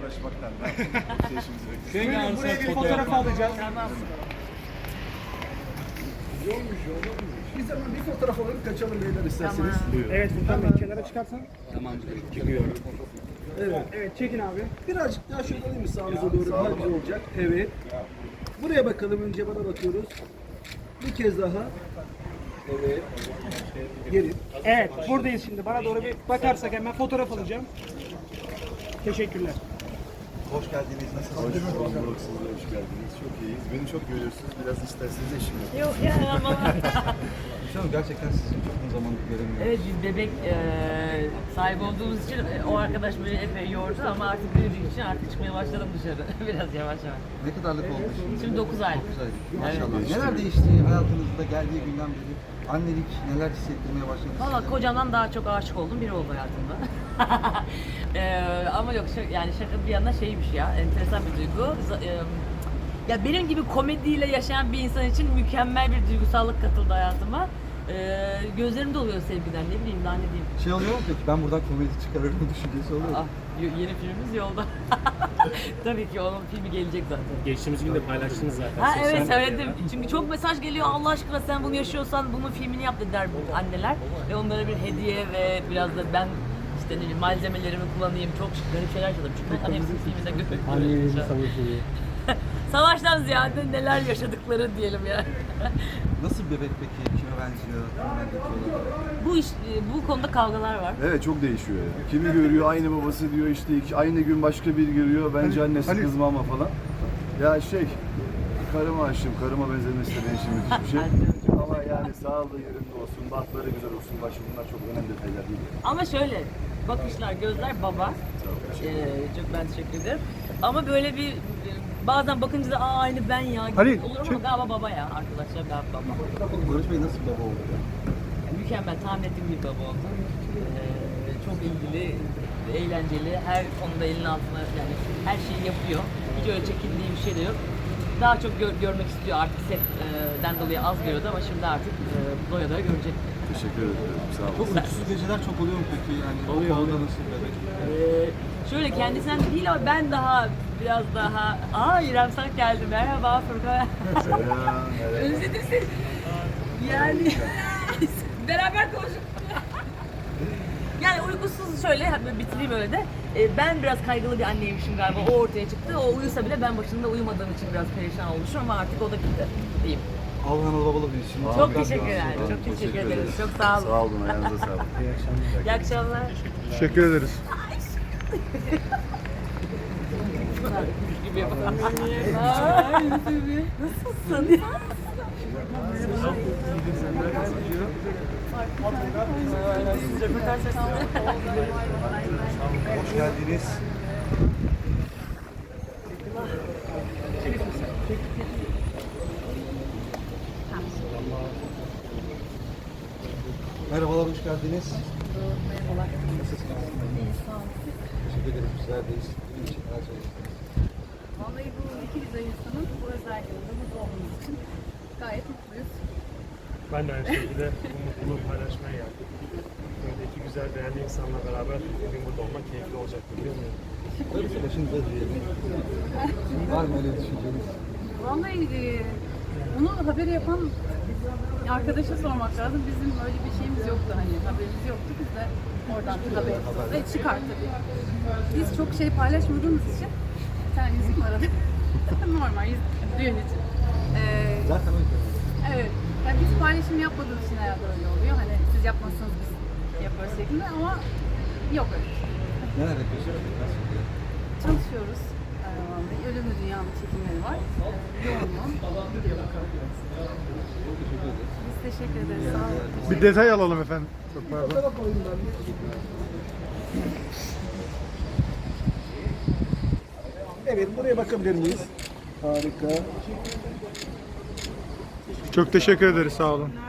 uğraşmaktan. Buyurun buraya bir fotoğraf alacağız. Biz hemen bir fotoğraf alalım kaçalım beyler isterseniz. Evet Furkan Bey kenara çıkarsan. Çıkıyorum. Evet. Evet çekin abi. Birazcık daha şöyle alayım mı sağınıza doğru daha güzel olacak. Evet. Buraya bakalım önce bana bakıyoruz. Bir kez daha. Evet. Geri. Evet buradayız şimdi. Bana doğru bir bakarsak hemen fotoğraf alacağım. Teşekkürler. Hoş geldiniz. Nasılsınız? Hoş bulduk. Siz de hoş geldiniz. Çok iyiyiz. Beni çok görüyorsunuz. Biraz isterseniz eşim yok. Yok ya ama Hocam gerçekten sizi çok uzun zamandır göremiyorum. evet biz bebek sahibi olduğumuz için o arkadaş beni epey yordu ama artık büyüdüğü için artık çıkmaya başladım dışarı. Biraz yavaş yavaş. Ne kadarlık oldu şimdi? Şimdi 9 ay. 9 aylık. Maşallah. Neler değişti hayatınızda geldiği günden beri? Annelik neler hissettirmeye başladı? Valla kocamdan daha çok aşık oldum biri oldu hayatımda. Ama yok yani şaka bir yana şeymiş ya enteresan bir duygu. Ya benim gibi komediyle yaşayan bir insan için mükemmel bir duygusallık katıldı hayatıma. Gözlerim doluyor sevgiden ne bileyim daha ne diyeyim. Şey oluyor mu peki? Ben buradan komedi çıkarırım düşüncesi oluyor mu? Yeni filmimiz yolda. Tabii ki onun filmi gelecek zaten. Geçtiğimiz gün de paylaştınız zaten. Ha evet sosyal medyada. söyledim. Çünkü çok mesaj geliyor Allah aşkına sen bunu yaşıyorsan bunun filmini yap dediler anneler. Ve onlara bir hediye ve biraz da ben işte ne bileyim malzemelerimi kullanayım. Çok garip şeyler yaşadım. Çünkü onların hepsini filmde görüyorum. Savaştan ziyade neler yaşadıkları diyelim ya. Nasıl bir bebek peki? Kime benziyor? Bu iş, bu konuda kavgalar var. Evet çok değişiyor ya. Kimi görüyor aynı babası diyor işte aynı gün başka bir görüyor bence annesi kızma ama falan. Ya karıma aşığım, karıma benzemesi de benim için müthiş bir şey. Ama yani sağlığı yerinde olsun, bahtları güzel olsun, başı bunlar çok önemli detaylar değil. Ama şöyle bakışlar, gözler baba. Çok ben teşekkür ederim. Ama böyle bir bazen bakınca da aynı ben ya gibi olur ama galiba baba ya arkadaşlar galiba baba. Barış Bey nasıl baba oldu? Mükemmel, tahmin ettiğim bir baba oldu. Çok ilgili, eğlenceli, her konuda elinin altına yani her şeyi yapıyor. Hiç öyle çekindiği bir şey de yok. Daha çok görmek istiyor artık setten dolayı az görüyordu ama şimdi artık doya doya görecek. Teşekkür ederim, sağ olun. Çok uykusuz geceler çok oluyor mu peki? Yani oluyor. O konuda nasıl bebek? Şöyle kendisinden değil ama ben daha biraz daha... İrem Sak geldi. Merhaba Furkan. Selam. Özledim seni. Yani beraber konuştuk. Yani uykusuz şöyle bitireyim öyle de. Ben biraz kaygılı bir anneymişim galiba. O ortaya çıktı. O uyusa bile ben başında uyumadığım için biraz perişan olmuşum ama artık o da gitti diyeyim. Allah'ın babalı büyüsün. Çok teşekkür ederim. Çok teşekkür ederiz. Çok sağ olun. Sağ olun, ayağınıza sağlık. İyi akşamlar. Teşekkür ederiz. Gibi yapalım. Nasılsın? Hoş geldiniz. Merhabalar, hoş geldiniz. Merhabalar. Nasılsınız? Teşekkür ederim, sizlerdeyiz. Bizim için her şey. Vallahi bu iki güzel insanın bu özel yılında mutlu olduğumuz için gayet mutluyuz. Ben de aynı şekilde bu mutluluğu paylaşmaya geldim. Böyle iki güzel değerli insanla beraber bugün burada olmak keyifli olacaktır bilmiyorum. Böylesi başınıza diyelim. Var mı öyle düşünceniz? Vallahi bunu haberi yapan arkadaşa sormak lazım. Bizim öyle bir şeyimiz yoktu hani haberimiz yoktu. Biz de oradan bir haber çıkar tabii. Biz çok şey paylaşmadığımız için sen yüzük aradı. Normal düğün için. Zaten öyle. Evet. Yani biz paylaşım yapmadığımız için herhalde öyle oluyor. Hani siz yapmazsanız biz yaparız şeklinde ama yok öyle. Neler yapıyorsunuz? Nasıl gidiyor? Çalışıyoruz. Vallahi Ölümlü Dünya'nın çekimleri var. Yoğun yoğun gidiyor bakalım. Biz teşekkür ederiz. Sağ olun. Bir detay alalım efendim. Çok pardon. Fotoğraf alayım ben bir. Evet buraya bakabilir miyiz? Harika. Çok teşekkür ederiz sağ olun.